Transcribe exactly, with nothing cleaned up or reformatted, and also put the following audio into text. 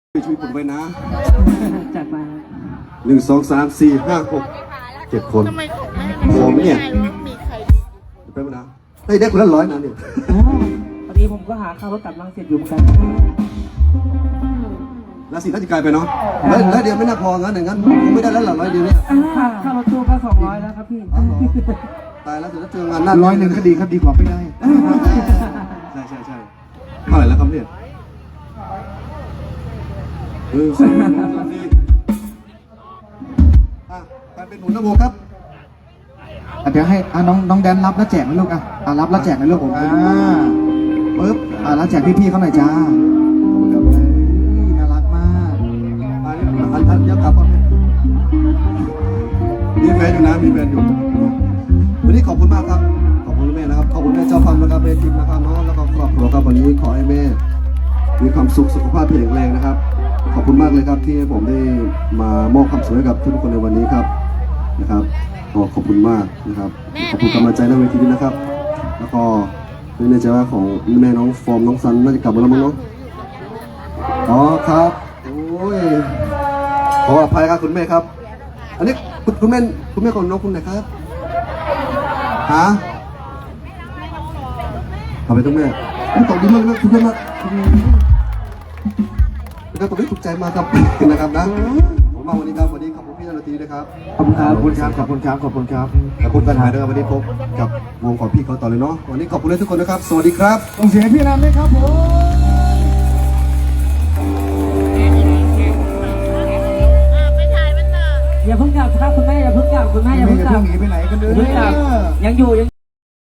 ช่วยผมไว้นะจัดมาหนึ่งสองสามสี่ห้าหกเจ็ดคนทำไมของแม่พอไหมเนี่ยว่ามีใครไปมานะได้ได้คนละร้อยนะเนี่ยอ๋อพอดีผมก็หาข้าวรถกลับลังเสร็จอยู่เหมือนกันแล้วสิน่าจะกลายไปเนาะแล้วแล้วเดียวไม่น่าพองั้นอย่างนั้นผมไม่ได้แล้วหรอร้อยเดียวเนี่ยค่าค่ารถตู้ก็สองร้อยแล้วครับพี่อ๋อเหรอตายแล้วจะเจองานหน้าร้อยหนึ่งก็ดีครับดีกว่าไม่ได้ใช่ใช่ใช่เท่าไหร่แล้วครับเนี่ยเออสี่สี่อ่ะการเป็นหนุนนะโบครับอ่ะเดี๋ยวให้อ่ะน้องน้องแดนรับแล้วแจกไหมลูกอ่ะอ่ะรับแล้วแจกไหมลูกผมอ่าปึ๊บอ่ะแล้วแจกพี่ๆเขาหน่อยจ้าขอบคุณครับเอ้ยน่ารักมากอันนี้อันทันเยอะกลับก่อนมีแฟนอยู่นะมีแฟนอยู่วันนี้ขอบคุณมากครับขอบคุณแม่นะครับขอบคุณแม่เจ้าฟังนะครับแม่ทิมนะครับเนาะแล้วก็ครอบครัวครับวันนี้ขอให้แม่มีความสุขสุขภาพแข็งแรงนะครับขอบคุณมากเลยครับที่ให้ผมได้มามอบความสุขให้กับทุกคนในวันนี้ครับนะครับก็ขอบคุณมากนะครับขอบคุณกำลังใจในเวทีนี้นะครับ แล้วก็ไม่แน่ใจว่าของแม่น้องฟอร์มน้องซันน่าจะกลับมาแล้วมั้งเนาะอ๋อครับโอ้ยขออภัยครับคุณแม่ครับ อันนี้คุณคุณแม่คุณแม่ของน้องคุณไหนครับฮะทำไปตรงแม่ไม่ตอบดีมากนะคุณแม่มากนะครับตอบได้ถูกใจมากครับ นะครับนะผมมาวันนี้ครับวันนี้ขอบคุณพี่นาทีนะครับขอบคุณครับขอบคุณครับขอบคุณครับขอบคุณครับขอบคุณกันหายด้วยครับวันนี้พบกับวงของพี่เขาต่อเลยเนาะวันนี้ขอบคุณเลยทุกคนนะครับสวัสดีครับส่งเสียงให้พี่นันด้วยครับผมไปถ่ายมันต่ออย่าเพิ่งกลับครับคุณแม่อย่าเพิ่งกลับคุณแม่อย่าไม่เพิ่งจะกลัเพิ่บงหนีไปไหนกันเลยอย่าเพิ่งกลับยังอยู่ยัง